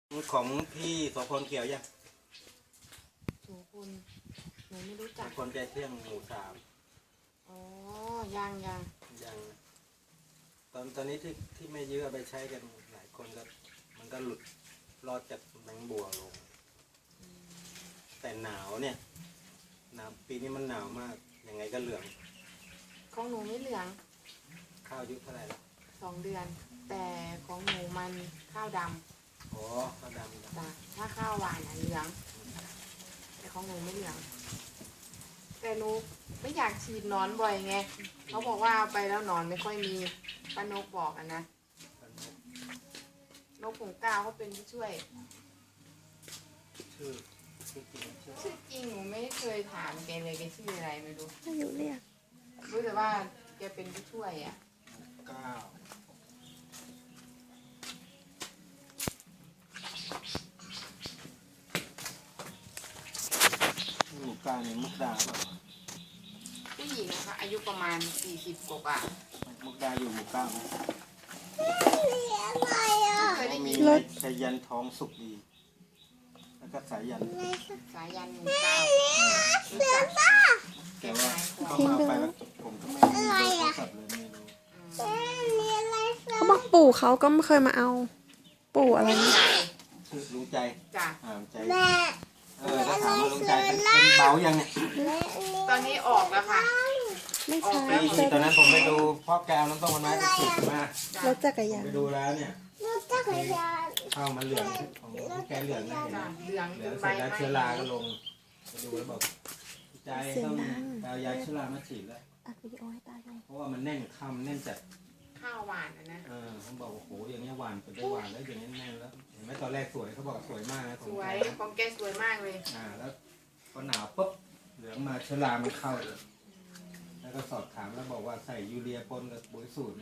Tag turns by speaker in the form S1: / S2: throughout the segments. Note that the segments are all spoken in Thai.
S1: ของพี่โสพลเกี่ยวยัง
S2: โสพลหนูไม่รู้จัก
S1: คนใจเที่ยงหมู่สาม
S2: อ๋อยัง
S1: ตอนนี้ที่ไม่เยอะไปใช้กันหลายคนก็มันก็หลุดรอดจากแมงบัวลงแต่หนาวเนี่ยหนาวปีนี้มันหนาวมากยังไงก็เหลือง
S2: ของหนูไม่เหลือง
S1: ข้าวอายุเท่าไหร่แล้ว
S2: 2 เดือนแต่ของหนูมันข้าวดำ
S1: อ๋อข้าวดำ
S2: จ้ะถ้าข้าวหวานเหลืองแต่ของหนูไม่เหลืองแต่หนูไม่อยากฉีดนอนบ่อยไงเขาบอกว่าไปแล้วนอนไม่ค่อยมีป้านกบอกนะนกผงกาวเขาเป็นผู้ช่วย
S1: ชื่อ
S2: จริงหนูไม่เคยถามแกเลยแกชื่ออะไรไม่รู้
S3: ไม่รู้เรียก
S2: รู้แต่ว่าแกเป็นผู้ช่วยอ่ะ
S1: หมู่กาเนี่ยมุกดาป่ะ
S2: ผู้หญิงนะคะอายุประมาณ40 กว่า
S1: มุกดาอยู่หมู่เก้า
S2: เคยได้ยิน
S1: สายันทองสุกดีแล้วก็สายัน
S2: หมู่เก้า
S1: แต่ว่าเขามาไปแล้วผมก็ไม่รู้เขาสับเลยไม่รู้
S3: เขาบอกปู่เขาก็ไม่เคยมาเอาปู่อะไรนี่
S1: ชื่อลุงใจ
S2: จ้ะ
S1: ใจถ้าถามว่าลุงใจเป็นเบายังเนี่ย
S2: ตอนนี้ออกแล้วค่ะ
S3: ไม่ใช่
S1: ตอนนั้นผมไปดูพ่อแก้วน้ำต้มมันไม้ไปฉีดมาร
S3: ถจักรยาน
S1: ไปดูแล้วเนี่ยข้าวมันเหลืองของแกเหลืองนะ
S2: เหลือง
S1: เสร็จแล้วเชื้อราก็ลงไปดูแล้วบอกใจต้องเอายาเชื้อรามาฉีดแล้ว
S3: อัดวิดีโอให้ตาดู
S1: เพราะว่ามันแน่นข้าวแน่นจัด
S2: ข้าวหวานนะ
S1: เขาบอกโอ้โหอย่างนี้หวานเป็นได้หวานแล้วอย่างนี้แน่นแล้วเห็นไหมตอนแรกสวยเขาบอกสวยมากนะ
S2: สวยของแกสวยมากเลย
S1: แล้วพอหนาวปุ๊บเหลืองมาเชื้อรามันเข้าเลยแล้วก็สอบถามแล้วบอกว่าใส่ยูเรียปนกับปุ๋ยสูตร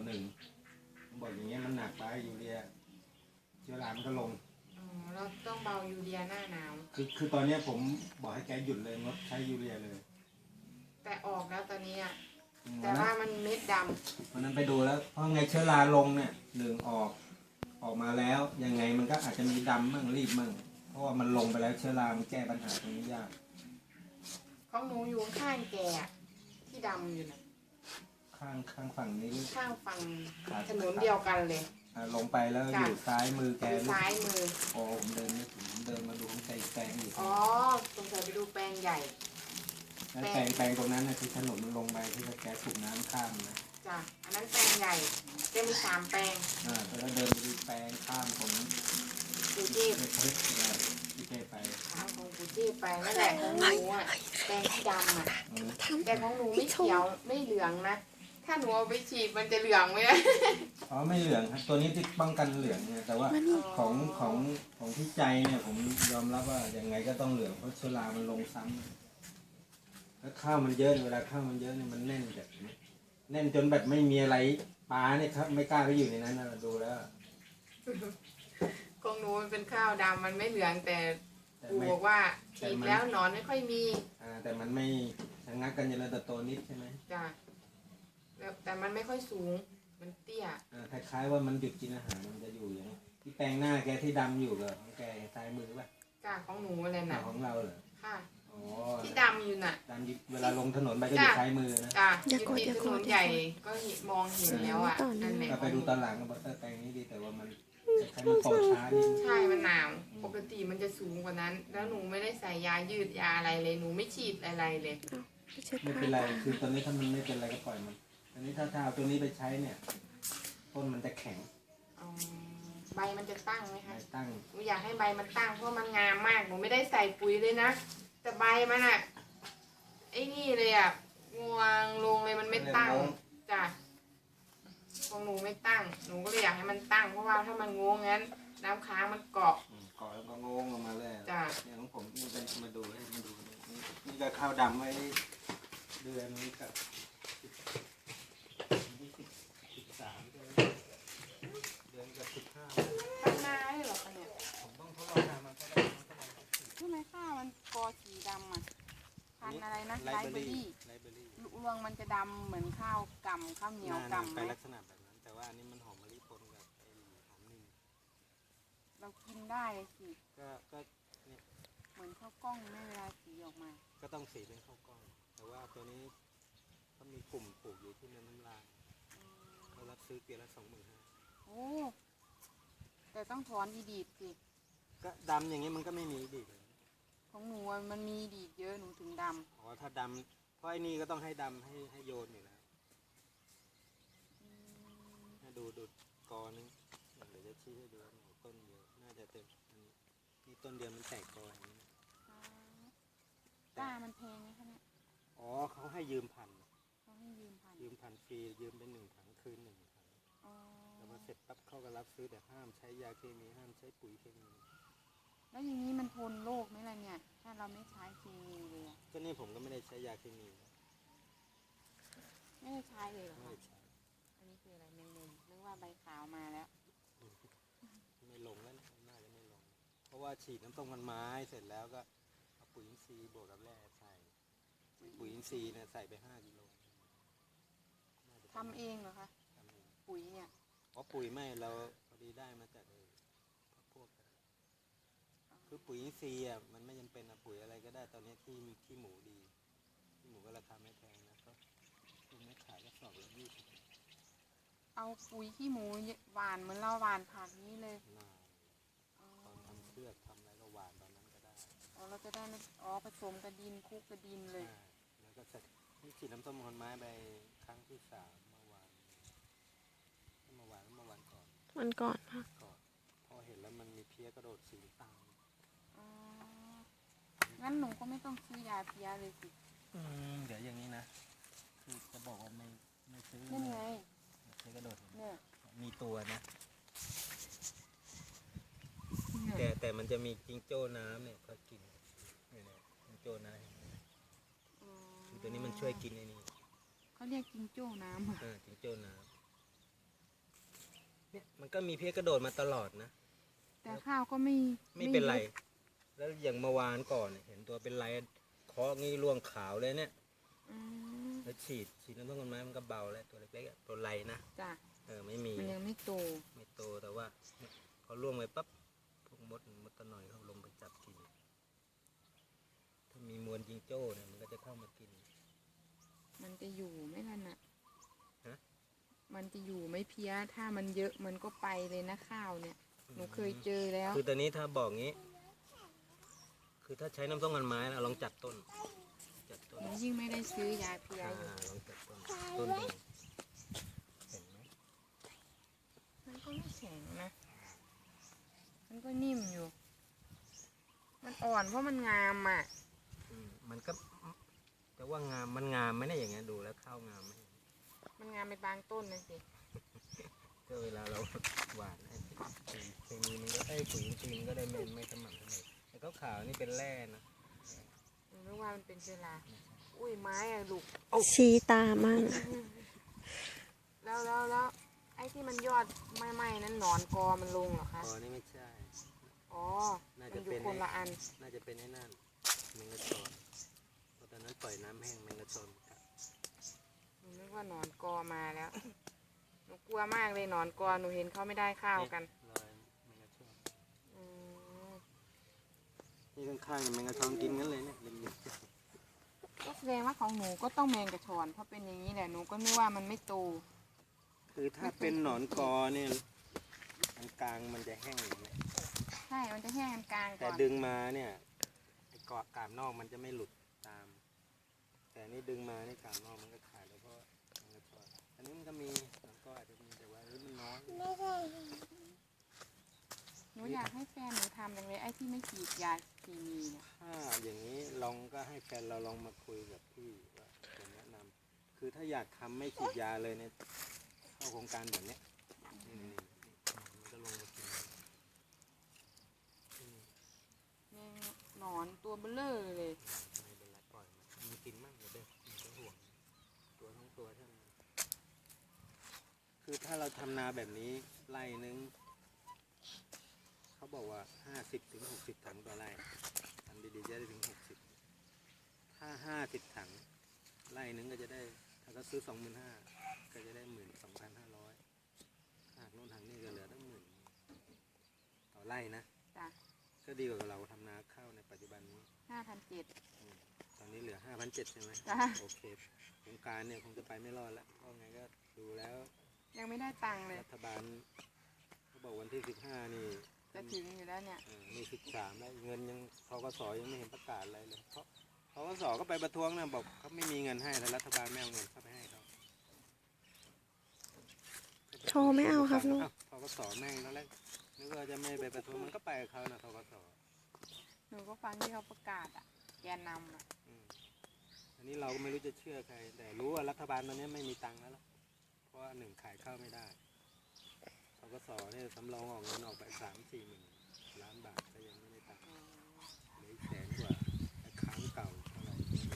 S1: 1:1บอกอย่างเงี้ยมันหนักไปยูเรียเชื้อรามันก็ลง
S2: เราต้องเบายูเรียหน้าหนาว
S1: คือตอนนี้ผมบอกให้แกหยุดเลยงดใช้ยูเรียเลย
S2: แต่ออกแล้วตอนนี้แต่ว่ามันเม็ดด
S1: ำวันนั้นไปดูแล้วเพราะไงเชื้อราลงเนี่ยเหลืองออกมาแล้วยังไงมันก็อาจจะมีดำมั่งรีบมั่งเพราะว่ามันลงไปแล้วเชื้อรามันแก้ปัญหาตรงนี้ยาก
S2: ของหนูอยู่ข้างแกที่ดำอยู่นะ
S1: ข้างฝั่งนี้
S2: ข้างฝั่งถนนเดียวกันเลย
S1: ลงไปแล้วอยู่ซ้ายมือแก
S2: ซ้ายมือ
S1: โอ้ผมเดินไม่ถึงเดินมาดูของแกแปลงอยู่
S2: อ๋อสงสัยไปดูแปลงใหญ่
S1: แปลงตรงนั้นนะที่ถนนมันลงไปที่แกสูบน้ำข้ามนะ
S2: จ้ะอันนั้นแปลงใหญ่จะมี3 แปลง
S1: แล้วเดินไปดูแปลงข้ามของ
S2: ปูเทพ
S1: ไป
S2: ข้ามของปูเทพไปนั่นแหละของหนูแปลงที่ดำแต่ของหนูไม่เขียวไม่เหลืองนะถ้าหนูเอาไปฉีดมันจะเหลืองไหม
S1: อ๋อไม่เหลืองครับตัวนี้ที่ป้องกันเหลืองเนี่ยแต่ว่าของที่ใจเนี่ยผมยอมรับว่ายังไงก็ต้องเหลืองเพราะเชื้อรามันลงซ้ำแล้วข้าวมันเยอะเวลาข้าวมันเยอะเนี่ยมันแน่นแบบแน่นจนแบบไม่มีอะไรปลาเนี่ยครับไม่กล้าไปอยู่ในนั้นนะดูแล้ว
S2: ของหนูมันเป็นข้าวดำมันไม่เหลืองแต่ปู่บอกว่าฉีดแล้วหนอนไม่ค่อยมี
S1: แต่มันไม่ชะงักกันเจริญเติบโตนิดใช่ไหม
S2: จ้ะแต่มันไม่ค่อยสูงมันเตี้ย
S1: คล้ายๆว่ามันหยุดกินอาหารมันจะอยู่อย่างที่แปลงหน้าแกที่ดำอยู่เหรอของแกซ้ายมือป่ะ
S2: จ้ะของหนูอะไรน่ะ
S1: ของเราเหรอ
S2: ค่ะที่ดำอยู่น่ะ
S1: ดำเวลาลงถนนไปก็อยู่ซ้ายมือนะ
S2: จ้ะอยู่ที่ถนนใหญ่ก็มองเห็นแล้วนั่นแหละ
S1: ไปดูตอนหลังก็บอกแปลงนี้ดีแต่ว่ามันใช้มันโตช้านิด
S2: ใช่มันหนาวปกติมันจะสูงกว่านั้นแล้วหนูไม่ได้ใส่ยายืดยาอะไรเลยหนูไม่ฉีดอะไรเลย
S1: ไม่เป็นไรคือตอนนี้ถ้ามันไม่เป็นไรก็ปล่อยมันอันนี้ถ้าเอาตัวนี้ไปใช้เนี่ยต้นมันจะแข็ง
S2: ใบมันจะตั้งไหมคะ
S1: ตั้ง
S2: หนูอยากให้ใบมันตั้งเพราะมันงามมากหนูไม่ได้ใส่ปุ๋ยเลยนะแต่ใบมันไอ้นี่เลยงวงลงเลยมันไม่ตั้งจ้ะของหนูไม่ตั้งหนูก็เลยอยากให้มันตั้งเพราะว่าถ้ามันงงงั้นน้ำค้างมันเกาะ
S1: แล้วก็งงออกมาเลย
S2: จ้ะ
S1: อย่างของผมนี่เป็นมาดูนี่ก็ข้าวดำไว้เดือนนี้กับ13เดือนกับ15
S2: ตั้งหน้าได้หรอคะเนี่ย
S1: ผมต้องทดลองทำมันก็ได้
S2: ใช่ไหมข้าวมันกอสีดำพันอะไรนะไลเบอรี่รวงมันจะดำเหมือนข้าวกำข้าวเหนียวกำ
S1: ไปลักษณะแบบนั้นแต่ว่าอันนี้มันหอมมะลิปนกับหอมนิ่ม
S2: เรากินได้สิ
S1: ก็เนี่ย
S2: เหมือนข้าวกล้องแม่เวลาสีออกมา
S1: ก็ต้องสีเป็นข้าวกล้อง แต่ว่าตัวนี้เขามีกลุ่มปลูกอยู่ที่เมืองน้ำลายเขารับซื้อเกวียนละ25,000
S2: โอ้แต่ต้องถอนอีดีดสิ
S1: ก็ดำอย่างนี้มันก็ไม่มีดีเลย
S2: ของหนูอะมันมีดีดเยอะหนูถึงด
S1: อ๋อถ้าดำเพราะไอ้นี่ก็ต้องให้ดำให้โยนอยู่แล้ว
S2: ำ
S1: ถ้าดูกอนึงเดี๋ยวจะชี้ให้ดูว่าเนี่ยต้นเยอะน่าจะเต็มอันนี้นี่ต้นเดียวมันแตกกออย่างนี้นะ
S2: กล้ามันแพงไหมคะเนี่ย
S1: อ๋อเขาให้ยืมพัน
S2: เขาให้ยืมพัน
S1: ยืมพันฟรียืมเป็น1 ถังคืน1 ถัง
S2: อ๋อ
S1: แต่พอเสร็จปั๊บเขาก็รับซื้อแต่ห้ามใช้ยาเคมีห้ามใช้ปุ๋ยเคมี
S2: แล้วอย่างนี้มันทนโรคไหมล่ะเนี่ย ถ้าเราไม่ใช้เคมีเลยอะ
S1: ก็นี่ผมก็ไม่ได้ใช้ยาเคมีนะ
S2: ไม่ได้ใช้เลยเหรอ
S1: ไม่
S2: คะ
S1: ได้ใช้
S2: อันนี้คืออะไรแมงมุมนึกว่าใบขาวมาแล้ว
S1: ไม่ลงแล้วนะน่าจะไม่ลง เพราะว่าฉีดน้ำต้มกันไม้เสร็จแล้วก็เอาปุ๋ยอินทรีย์บวกกับแร่ใส่ปุ๋ยอินทรีย์เนี่ยใส่ไป5 กิโลน่าจะ
S2: ทำเองเหรอคะ
S1: ทำเอง
S2: ปุ๋ยเนี่ย
S1: เพราะปุ๋ยไม่เราพอดีได้มาจากพวกคือปุ๋ยอินทรีย์อ่ะมันไม่จำเป็นอะปุ๋ยอะไรก็ได้ตอนนี้ที่หมูดีที่หมูก็ราคาไม่แพงนะก็คุณไม่ขายก็สอบละ20
S2: เอาปุ๋ยขี้หมูหวานเหมือนเราหวานผักนี้เลย
S1: น่า
S2: อ๋อ
S1: ตอนทำเชือกทำอะไรก็หวานตอนนั้นก็ได้
S2: อ๋อเราจะได้ไม่ผสมกับดินคลุกกับดินเลย
S1: อ่าแล้วก็เสร็จนี่ฉีดน้ำส้มคนไม้ไปครั้งที่3เมื่อวานก่อน
S3: มันก่อนค่ะ
S1: พอเห็นแล้วมันมีเพี้ยกระโดดสีตาง
S2: อ๋อ งั้นหนูก็ไม่ต้องซื้อยาเพลี้ยเลยสิ
S1: เดี๋ยวอย่างนี้นะคือจะบอกว่าไม่ซื้อ
S2: นั่นไง
S1: เพี้ยกระโดดเห็นไหม
S2: เนี่ย
S1: มีตัวนะ แต่มันจะมีจิงโจ้น้ำเนี่ยเขากินเนี่ยจิงโจ้น้ำ
S2: อ๋อ
S1: คือตัวนี้มันช่วยกินไอ้นี่
S2: เขาเรียกจิงโจ้น้ำอะ
S1: จิงโจ้น้ำเนี่ยมันก็มีเพี้ยกระโดดมาตลอดนะ
S2: แต่ข้าวก็ไม่
S1: ไม่เป็นไร
S2: ยุบ
S1: แล้วอย่างเมื่อวานก่อนเนี่ยเห็นตัวเป็นไรเคาะงี้ร่วงขาวเลยเนี่ย
S2: อืม
S1: แล้วฉีดน้ำต้นไม้มันก็เบาแล้วตัวเล็กๆอะตัวไรนะ
S2: จ้ะ
S1: ไม่มี
S2: มันยังไม่โต
S1: ไม่โตแต่ว่าเนี่ยพอร่วงไปปั๊บพวกมดตะหน่อยเขาลงไปจับกิน ถ้ามีมวลจิงโจ้เนี่ยมันก็จะเข้ามากิน
S2: มันจะอยู่ไหมล่ะน่ะ
S1: ฮะ
S2: มันจะอยู่ไหม่เพี้ย ถ้ามันเยอะมันก็ไปเลยนะข้าวเนี่ย หนูเคยเจอแล้ว
S1: คือตอนนี้ถ้าบอกงี้ คือถ้าใช้น้ำส้มกันไม้นะลองจัดต้น
S2: หนูยิ่งไม่ได้ซื้อยาเพลี้ยอยู่
S1: ลองจัดต้นดูเห็นไหม
S2: มันก็ไม่แข็งนะ มันก็นิ่มอยู่ มันอ่อนเพราะมันงามอ่ะ
S1: มันก็แต่ว่างามมันงามไหมเนี่ยอย่างเงี้ยดูแล้วข้าวงามไหม
S2: มันงามไปบางต้นนะสิ
S1: ก็เวลาเราหวานไอ้ปุ๋ยเคมีมันก็ปุ๋ยอินทรีย์มันก็ได้ไม่สม่ำเสมอแต่ขาวๆนี่เป็นแร่นะ
S2: หนูนึกว่ามันเป็นเชื้อราอุ้ยไม้อะลูก
S3: ชี้ตามั่ง
S2: แล้วไอ้ที่มันยอดไหม้ๆนั้นหนอนกอมันลงเหรอคะ
S1: อ๋อนี่ไม่ใช่
S2: อ๋อ
S1: น่า
S2: มั
S1: จะ
S2: นอยู่
S1: เป็น
S2: คนละอัน
S1: น่าจะเป็นไอ้นั่นแมงกะชอนเพราะตอนนั้นปล่อยน้ำแห้งแมงกะชอนกัด
S2: หนูนึกว่าหนอนกอมาแล้ว หนูกลัวมากเลยหนอนกอ หนูเห็นเขาไม่ได้ข้าวกัน
S1: รอยแมงกะชอน
S2: อืม
S1: นี่ข้างๆเนี่ยแมงกะชอนกินงั้นเลยเนี่ยริม
S2: ก็แสดงว่าของหนูก็ต้องแมงกระชอนเพราะเป็นอย่างนี้แหละ หนูก็นึกว่ามันไม่โต
S1: คือถ้าเป็นหนอนกอเนี่ยอันกลางมันจะแห้งอย่างเงี้ย
S2: ใช่ มันจะแห้งกลางๆ
S1: แต่
S2: ก่อน
S1: ดึงมาเนี่ยไอ้เกาะกาบนอกมันจะไม่หลุดตาม แต่นี่ดึงมานี่กาบนอกมันก็ขาดแล้วเพราะมันก็ชอดอันนี้มันก็มีมันก็อาจจะมีแต่ว่ามันน้อย
S2: หนูอยากให้แฟนหนูทำจังเลยไอ้ที่ไม่ฉีดยาเคมีเนี่ย
S1: ถ้าอย่างนี้ลองก็ให้แฟนเราลองมาคุยกับพี่ว่าผมแนะนำคือถ้าอยากทำไม่ฉีดยาเลยเนี่ยเข้าโครงการแบบเนี้ยนี่มันก็ลงมากิน
S2: แมงหนอนตัวเบลอเลย
S1: ไม่เป็นไรปล่อยมันกินมั่งเดี๋ยวเด้อมันก็ห่วงตัวทั้งตัวเท่านั้นคือถ้าเราทำนาแบบนี้ไร่นึงเขาบอกว่า50 ถึง 60 ถังต่อไร่ทำดีๆจะได้ถึง60ถ้า50 ถังไร่นึงก็จะได้ถ้าเขาซื้อ 25,000ก็จะได้ 12,500หากโน่นทางนี้ก็เหลือตั้ง10,000ต่ออไร่นะ
S2: จ้ะ
S1: ก็ดีกว่าเราทำนาข้าวในปัจจุบันนี้
S2: 5,700
S1: ตอนนี้เหลือ 5,700 ใช่ไหม
S2: จ้ะ
S1: โอเคโครงการเนี่ยคงจะไปไม่รอดแล้วเพราะไงก็ดูแล้ว
S2: ยังไม่ได้ตังค์เลย
S1: รัฐบาลเขาบอกวันที่ 15 นี่
S2: จะถึงอยู่แล้วเนี่ย
S1: นี่13แล้วเงินยังธกสยังไม่เห็นประกาศอะไรเลยเพราะธกสก็ไปประท้วงนะบอกเขาไม่มีเงินให้แต่รัฐบาลไม่เอาเงินเข้าไปให้เขา
S3: โชว์ไม่เอาครับลูก
S1: ธกสแม่งตอนแรกนึกว่าจะไม่ไปประท้วงมันก็ไปกับเขานะธกส
S2: หนูก็ฟังที่เขาประกาศอ่ะ แกนนำอ่ะ
S1: อันนี้เราก็ไม่รู้จะเชื่อใคร แต่รู้ว่ารัฐบาลตอนนี้ไม่มีตังค์แล้วล่ะเพราะว่าหนึ่งขายข้าวไม่ได้ธกสเนี่ยสำรองออกเงินออกไป3-4 หมื่นล้านบาทก็ยังไม่ได้ตังค์เหลือ100,000 กว่าแต่ค้างเก่าเท่าไหร่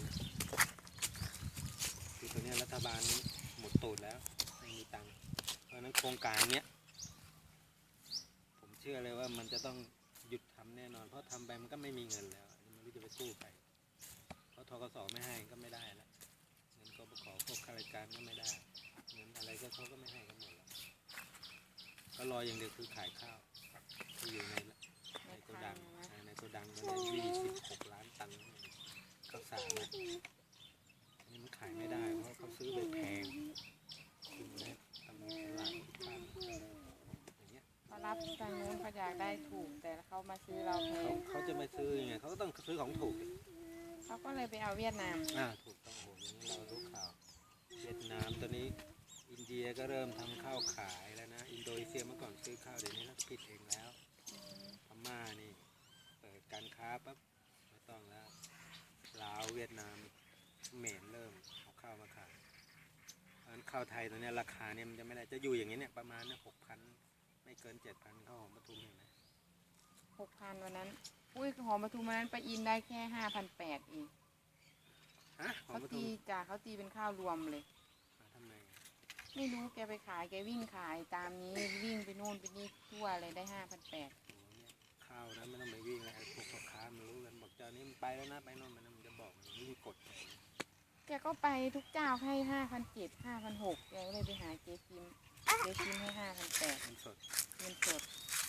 S1: คือตอนนี้รัฐบาลหมดตูดแล้วไม่มีตังค์เพราะฉะนั้นโครงการเนี้ยผมเชื่อเลยว่ามันจะต้องหยุดทำแน่นอนเพราะทำไปมันก็ไม่มีเงินแล้วไม่รู้จะไปกู้ใครเพราะธกสไม่ให้ก็ไม่ได้แล้วเงินกบขพวกข้าราชการก็ไม่ได้เงินอะไรก็เขาก็ไม่ให้กันหมดแล้วก็รออย่างเดียวคือขายข้าวที่อยู่ในโกดังในโกดังมันได้26 ล้านตันข้าวสารนะนี่มันขายไม่ได้เพราะเขาซื้อไปแพงคือได้ตำรวจตลาดบ้านอย่างเงี้ย
S2: เขารับทางนู้นเขาอยากได้ถูก แต่เขามาซื้อเราแพง
S1: เขาจะไม่ซื้อยังไงเขาก็ต้องซื้อของถูกดิ
S2: เขาก็เลยไปเอาเวียดนาม
S1: ถูกต้องโหอย่างนี้เรารู้ข่าวเวียดนามตอนนี้อินเดียก็เริ่มทำข้าวขายแล้วนะอินโดนีเซียเมื่อก่อนซื้อข้าวเดี๋ยวนี้เราปิดเองแล้วพม่านี่เปิดการค้าปั๊บไม่ต้องแล้วลาวเวียดนามเขมรเริ่มเอาข้าวมาขายเพราะฉะนั้นข้าวไทยตอนนี้ราคาเนี่ยมันจะไม่ได้จะอยู่อย่างนี้เนี่ยประมาณ6,000ไม่เกิน7,000ข้าวหอมปทุมเห็นไหม
S2: 6,000วันนั้น อุ้ยหอมปทุมวันนั้นไปอินได้แค่5,800เอง
S1: ฮะหอม
S2: เขา
S1: ปทุ
S2: ตี
S1: ม
S2: จ้ะเขาตีเป็นข้าวรวมเลย
S1: ทำไม
S2: ไม่รู้แกไปขายแกวิ่งขายตามนี้วิ่งไปโน่นไปนี่ทั่วเลยได้5,800
S1: โอ้เนี่ยข้าวนะไม่ต้องไปวิ่งแล้วไอ้พวกพ่อค้ามันรู้กันบอกเจ้านี้มันไปแล้วนะไปโน่นไปนั่นมันจะบอกมันไม่มีกฎเลย
S2: แกก็ไปทุกเจ้าให้5,700 5,600แกก็เลยไปหาเจ๊คิมให้5,800
S1: มันสด
S2: เงินสด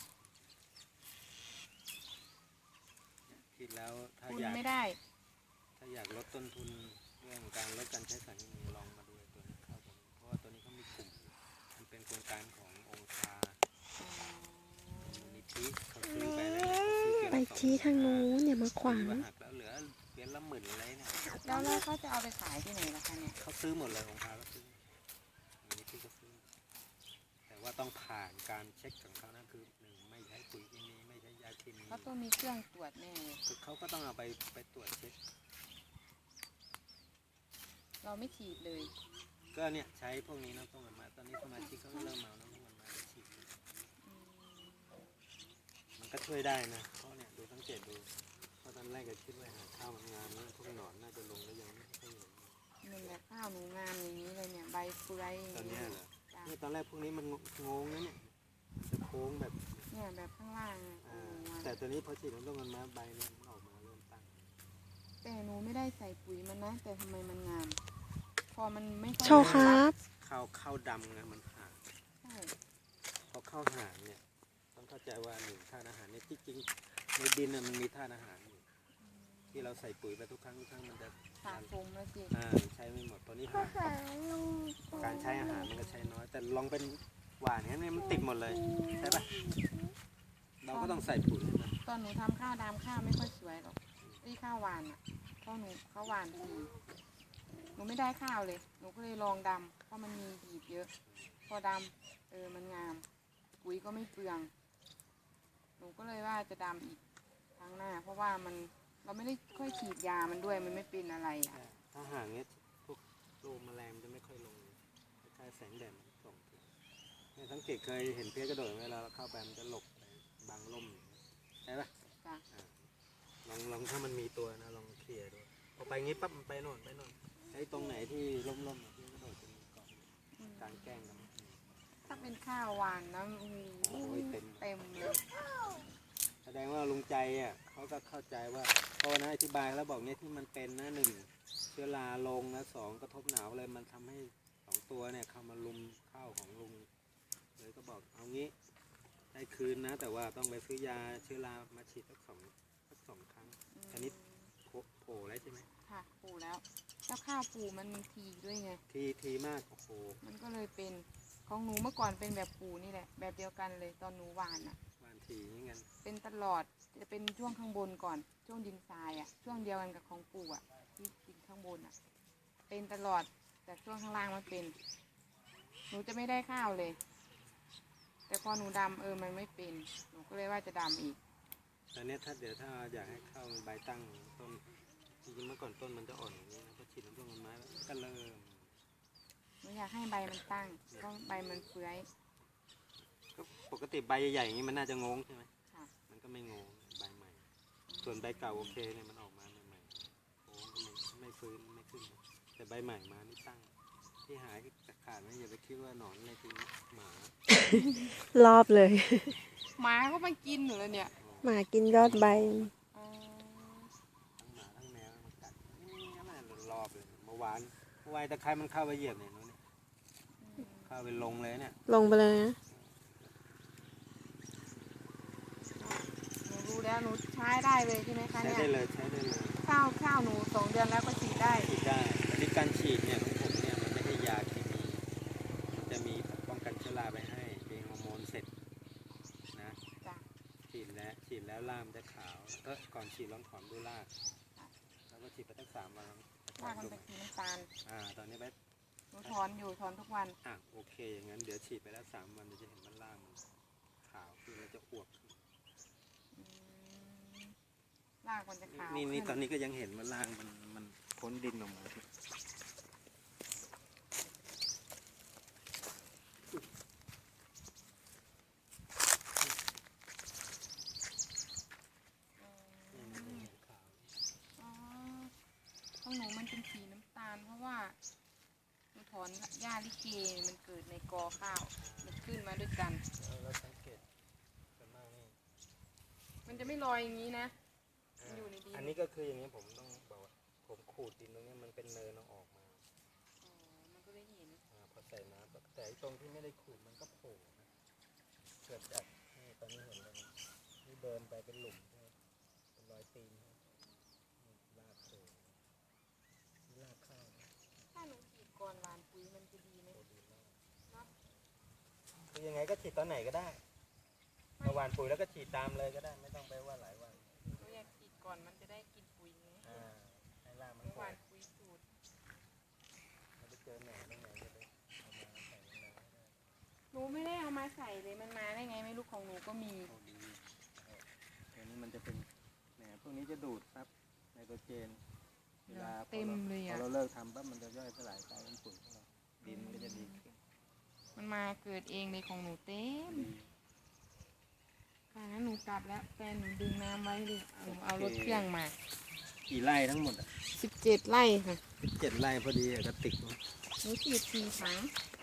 S1: คิดแล้วถ้า
S2: คุณ
S1: อยาก
S2: ไม่ได้
S1: ลดต้นทุนเรื่องการลดการใช้สารเคมีลองมาดูไอ้ตัวนี้ข้าวตัวนี้เพราะว่าตัวนี้เขามีกลุ่มมันเป็นโครงการขององค์การมูลนิธิเขาซื้อไปแล้วเนี่ยเขาซื้อเกวียน
S3: ไป
S1: ละ
S3: ชี้ทางนู้นอย่ามาขวาง
S1: ซื้อหักแล้วเหลือเกวียนละ10,000อะไรเนี่ย
S2: แล้วเขาจะเอาไปขายที่ไหนล่ะคะเนี่ย
S1: เขาซื้อหมดเลยองค์การก็ซื้อมูลนิธิก็ซื้อแต่ว่าต้องผ่านการเช็คของเขานะคือหนึ่งไม่ใช้ปุ๋ยเคมีไม่ใช้ยาเคมี
S2: เขาต้องมีเครื่องตรวจแน่เลย
S1: คือเขาก็ต้องเอาไปตรวจเช็ค
S2: เราไม่ฉีดเลย
S1: ก็เนี่ยใช้พวกนี้น้ำต้มกันมาตอนนี้สมาชิกเขาก็เริ่มเมาน้ำต้มกันมาได้ฉีดมันก็ช่วยได้นะเพราะเนี่ยดูสังเกตดูเพราะตอนแรกก็คิดว่าหาข้าวมันงามแล้วพวกหนอนน่าจะลงแล้วยังไม่ค่อยเห็น
S2: มันแบบข้าวหนูงามอย่างนี้เลยเนี่ยใบเฟือยอย่าง
S1: ตอน
S2: นี้
S1: เนี้ยเหรอ
S2: จ้ะ
S1: เนี่ยตอนแรกพวกนี้มันงงนะเนี่ยจะโค้งแบบ
S2: เนี่ยแบบข้างล่างอะ
S1: แต่ตัวนี้พอฉีดน้ำต้มกันมาใบเนี่ยมันออกมาเริ่มตั้ง
S2: แต่หนูไม่ได้ใส่ปุ๋ยมันนะ แต่ทำไมมันงาม พอมันไม่ค่อย
S3: โชว์ครับ
S1: ข้าวดำไงมันห่าง
S2: ใช่
S1: พอข้าวห่างเนี่ยต้องเข้าใจว่าหนึ่งธาตุอาหารเนี่ยที่จริงในดินน่ะมันมีธาตุอาหารอยู่ที่เราใส่ปุ๋ยไปทุกครั้งมันจะ
S2: สะสมแล้วสิ
S1: ใช้ไม่หมดตอนนี้ห่างการใช้อาหารมันก็ใช้น้อย แต่ลองเป็นหวานเนี่ยมันติดหมดเลยใช่ปะเราก็ต้องใส่ปุ๋ยนะ
S2: ตอนหนูทำข้าวดำข้าวไม่ค่อยสวยหรอกที่ข้าวหวานอ่ะเพราะหนูข้าวหวานทีหนูไม่ได้ข้าวเลย หนูก็เลยลองดำเพราะมันมีหีบเยอะ พอดำมันงาม ปุ๋ยก็ไม่เปลือง หนูก็เลยว่าจะดำอีกครั้งหน้า เพราะว่าเราไม่ได้ค่อยฉีดยามันด้วยมันไม่เป็นอะไรอ่ะ
S1: ถ้าห่างเนี้ยพวกโรคแมลงมันจะไม่ค่อยลงคล้ายๆแสงแดดมันส่องถึงเนี่ยสังเกตเคยเห็นเพี้ยกระโดดเวลาเราเข้าไปมันจะหลบไปบางร่มใช่ปะ
S2: จ้ะ
S1: ลองถ้ามันมีตัวนะลองเคลียร์ดูพอไปงี้ปั๊บมันไปโน่นไอ้ตรงไหนที่ร่มๆเพี้ยกระโดดจะมีเกาะกลางแกล้งกัน
S2: ถ้าเป็นข้าวหวานนะโอ้โหเต็มเลย
S1: แสดงว่าลุงใจอ่ะเขาก็เข้าใจว่าเพราะนะอธิบายแล้วบอกเนี่ยที่มันเป็นนะหนึ่งเชื้อราลงนะสองกระทบหนาวเลยมันทำให้สองตัวเนี่ยเข้ามาลุมข้าวของลุงเลยก็บอกเอางี้แทได้คืนนะ แต่ว่าต้องไปซื้อยาเชื้อรามาฉีดสักสองครั้งตอนนี้โผล่แล้วใช่ไหม
S2: ค่ะปูแล้วแล้วข้าวปูมันทีด้วยไง
S1: ทีมากโอ้โห
S2: มันก็เลยเป็นของหนูเมื่อก่อนเป็นแบบปูนี่แหละ แบบเดียวกันเลยตอนหนูหวานอ่ะ
S1: บานทีอย่างเงี้ย
S2: เป็นตลอดจะเป็นช่วงข้างบนก่อนช่วงดินทรายอ่ะช่วงเดียวกันกับของปู่อ่ะที่ดินข้างบนอ่ะ เป็นตลอดแต่ช่วงข้างล่างมันเป็น หนูจะไม่ได้ข้าวเลย แต่พอหนูดำมันไม่เป็นหนูก็เลยว่าจะดำอีก
S1: ตอนนี้ถ้าอยากให้ข้าวมันใบตั้งต้นจริงๆเมื่อก่อนต้นมันจะอ่อนอย่างนี้นะพอฉีดน้ำผึ้งมันไม้แล้วก็เริ่ม
S2: หนูอยากให้ใบมันตั้งก็ใบมันเฟื้อย
S1: ก็ปกติใบใหญ่ๆอย่างนี้มันน่าจะงงใช่ไหม
S2: ค่ะ
S1: มันก็ไม่งงใบใหม่ ส่วนใบเก่าโอเคเนี่ยมันออกมาใหม่ๆโอ้ก็ไม่ฟื้นไม่ขึ้นนะแต่ใบใหม่มานี่ตั้งที่หายจะขาดนะอย่าไปคิดว่าหนอนอะไรจริงหมาร
S3: อบเลย
S2: หมาก็มากินหนูเลยเนี่ย
S3: หมากินยอดใบ
S1: ทั้งหมาทั้งแมวมันกัดนี่นั่นแหละรอบเลยเมื่อวานตะไคร้มันเข้าไปเหยียบเนี่ยนู้นเนี่ยเข้าไปลงเลยเนี่ย
S3: ลงไปเลยนะ
S2: หนูรู้แล้วหนูใช้ได้เลยใช่ไหมคะ
S1: ใช้
S2: เนี่ย
S1: ได้เลยใช้ได้เลย
S2: ข้าวหนู2 เดือนแล้วก็ฉีดได้
S1: ฉีดได้แต่ที่การฉีดเนี่ยของผมเนี่ยมันไม่ใช่ยาเคมีมันจะมีป้องกันเชื้อราไปให้เป็นฮอร์โมนเสร็จนะ
S2: จ้ะ
S1: ฉีดแล้วรากมันจะขาวก็ก่อนฉีดลองถอนดูรากแล้วก็ฉีดไปตั้ง3 วัน
S2: รากมันเป็นสีน้ำตาล
S1: ตอนนี้ไป
S2: หนูถอนทุกวัน
S1: โอเคอย่างนั้นเดี๋ยวฉีดไปแล้ว3 วันเดี๋ยวจะเห็นมันรากมันขาวคือมันจะอวบขึ้น
S2: อืมรากมันจะขาว
S1: นี่
S2: ขึ้
S1: ตอนนี้ก็ยังเห็นมันรากมันพ้นดินออกมา
S2: อ๋อของหนูมันเป็นสีน้ำตาล เพราะว่าหนูถอนหญ้าลิเกมันเกิดในกอข้าว มันขึ้นมาด้วยกัน
S1: เราสังเกตกันมากนี่
S2: มันจะไม่ลอยอย่างนี้นะ มันอยู่ในดิน
S1: อันนี้ก็คืออย่างนี้ผมต้องบอกว่าผมขูดดินตรงนี้มันเป็นเนินเอาออกมา
S2: อ๋อ มันก็เลยเห็น
S1: พอใส่น้ำแต่ตรงที่ไม่ได้ขูดมันก็โผล่นะเกิดจากนี่ตอนนี้เห็นแล้วนะนี่เดินไปเป็นหลุมใช่ไหมเป็นรอยตีนนี่รากโผล่นี่รากข้าวนะ
S2: ถ้าหนูฉีดก่อนหวานปุ๋ยมันจะดีไหม
S1: โผล่ดีมาก
S2: เนาะ
S1: คือยังไงก็ฉีดตอนไหนก็ได้เมื่อวานปุ๋ยแล้วก็ฉีดตามเลยก็ได้ไม่ต้องไปว่าหลายวัน
S2: หนูอยากฉีดก่อนมันจะได้กินปุ๋ยไง
S1: ให้รากมัน
S2: เมื่อ
S1: โผล่
S2: วานปุ๋ยสูตร
S1: เราไปเจอหน่อยตรงไหนจะไปเอามาใส่ในน้ำให้ได้
S2: หนูไม่ได้เอามาใส่เลย มันมาได้ไงไม่รู้ของหนูก็มี
S1: โอ้ดีตัวนี้มันจะเป็นแหนพวกนี้จะดูดครับไนโตรเจนเวลา
S2: เต็มเลย
S1: พอ
S2: อ่ะ
S1: เราเลิกทำปั๊บมันจะย่อยสลายกลายเป็นปุ๋ยของเราดินมันก็จะดีขึ้น
S2: มันมาเกิดเองเลยของหนูเต็ม
S1: ดี
S2: ค่ะงั้นหนูกลับแล้วแฟนหนูดึงน้ำไว้ดิเอารถเครื่องมา
S1: กี่ไร่ทั้งหมดอ่ะ
S2: 17 ไร่ค่ะ
S1: 7 ไร่พอดีอะกระติก
S2: หนูฉีด4 ถัง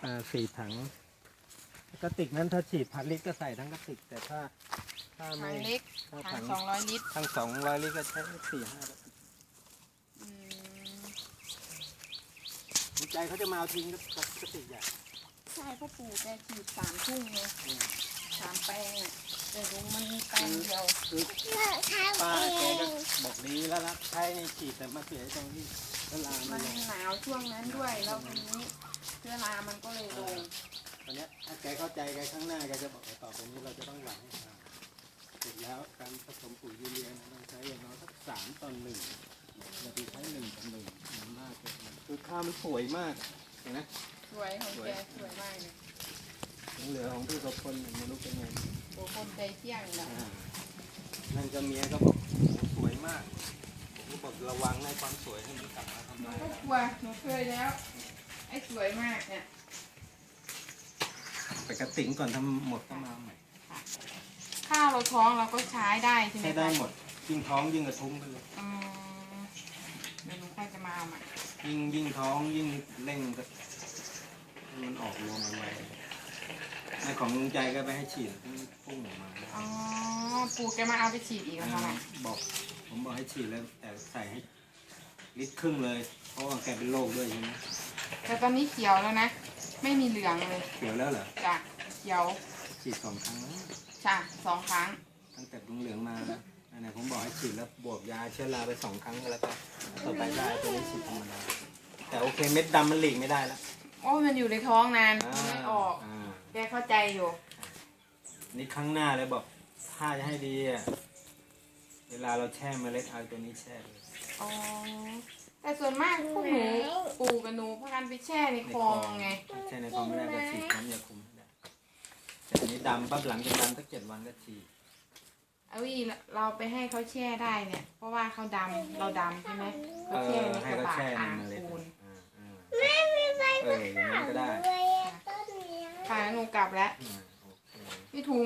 S1: 4 ถังกระติกนั้นถ้าฉีด1,000 ลิตรก็ใส่ทั้งกระติกแต่ถ้า
S2: ถั
S1: ไม่
S2: งเล็ก
S1: ถ้า
S2: ถั
S1: ถั
S2: ง
S1: ง
S2: 200 ลิตร
S1: ทั้ง200 ลิตรก็ใช้4-5 กระติก
S2: อืม
S1: ดีใจเขาจะมาเอาทิ้งกระติกใหญ่
S2: ใช่พ่อปู่แกฉีด3 ทุ่งไง3 แปลงอ่ะแต่ลุงมันมีแปลงเดียว
S1: คือป้าแกก็บอกดีแล้วละใช้ในฉีดแต่มาเสียตรงที่เวลา
S2: มั
S1: มัน
S2: น
S1: ลง
S2: หนาวช่วงนั้นด้วย แล้วทีนี้เชื้อรามันก็เลยลง
S1: ตอนเนี้ยถ้าแกเข้าใจแกข้างหน้าแกจะบอกว่าต่อไปนี้เราจะต้องหวังให้ทำเสร็จแล้วการผสมปุ๋ยยูเรียนะต้องใช้อย่างน้อยสัก3:1เราจะใช้1:1มันมากเกินไปคือข้าวมันสวยมากเห็นไหม
S2: สวยของแกสวยมากเลย
S1: ยังเหลือของพี่กับคนไม่รู้เป็นไง
S2: โอ้คนใจเที่ยงนะ
S1: นั่นก็เมียก็บอกสวยมากผมก็บอกระวังในความสวยให้มันกลับมาทำ
S2: หนู
S1: ลาย
S2: ก็กลัวหนูเคยแล้ว ไอ้สวยมากเนี่ย
S1: ไปกระติ๋งก่อนทำหมดก็มาใหม่
S2: ข้าวเราท้องเราก็ใช้ได้ใช่ไหม
S1: ใช้ได้หมดยิ่งท้องยิ่งกระทุ้งไปเลย
S2: อืมเดี๋ยวหนูค่อยจะมาเอาใหม่
S1: ยิ่งท้องยิ่งเร่งก็ให้มันออกรวมไวๆในของลุงใจก็ไปให้ฉีดพุ่งออกมา
S2: อ๋อปู่แกมาเอาไปฉีดอีกแล้วค่ะ
S1: ผมบอกให้ฉีดแล้วแต่ใส่ให้ลิตรครึ่งเลย เพราะว่าแกเป็นโรคด้วยใช่ไหม
S2: แต่ตอนนี้เขียวแล้วนะ ไม่มีเหลืองเลย
S1: เขียวแล้วเหรอ
S2: จ้ะเขียว
S1: ฉีด2 ครั้งแล้ว
S2: ใช่2 ครั้ง
S1: ตั้งแต่เหลืองมานะอันไหนผมบอกให้ฉีดแล้วบวกยาเชื้อราไป2 ครั้งก็แล้วกันต่อไปได้ตัวนี้ฉีดธรรมดาแต่โอเคเม็ดดำมันหลีกไม่ได้แล้ว
S2: โอ้ยมันอยู่ในท้องนานไม่ออก
S1: า
S2: แกเข้าใจอยู่
S1: นี่ครั้งหน้าเลยบอกถ้าจะให้ดีอ่ะเวลาเราแช่เมล็ดเอาตัวนี้แช่เลย
S2: อ๋อ แต่ส่วนมากพวกหนูปู่กับหนูพากันไปแช่ในคลองไง
S1: แช่ในคลองไม่ได้ก็ฉีดน้ำยาคุมไม่ได้แต่อันนี้ดำปั๊บหลังจากดำสัก7 วันก็ฉีด
S2: เอาอีเราไปให้เขาแช่ได้เนี่ย เพราะว่าเขาดำเราดำใช่ไหมเขาแช่ใน
S1: ให้
S2: กระ
S1: เขา
S2: บะ
S1: แช่ใน
S2: อ่าง
S1: เมล็ด
S2: ปูน
S1: อย่างนั้นก็ได้
S2: ค่ะหนูกลับแล้ว
S1: โอเค
S2: พี่ถู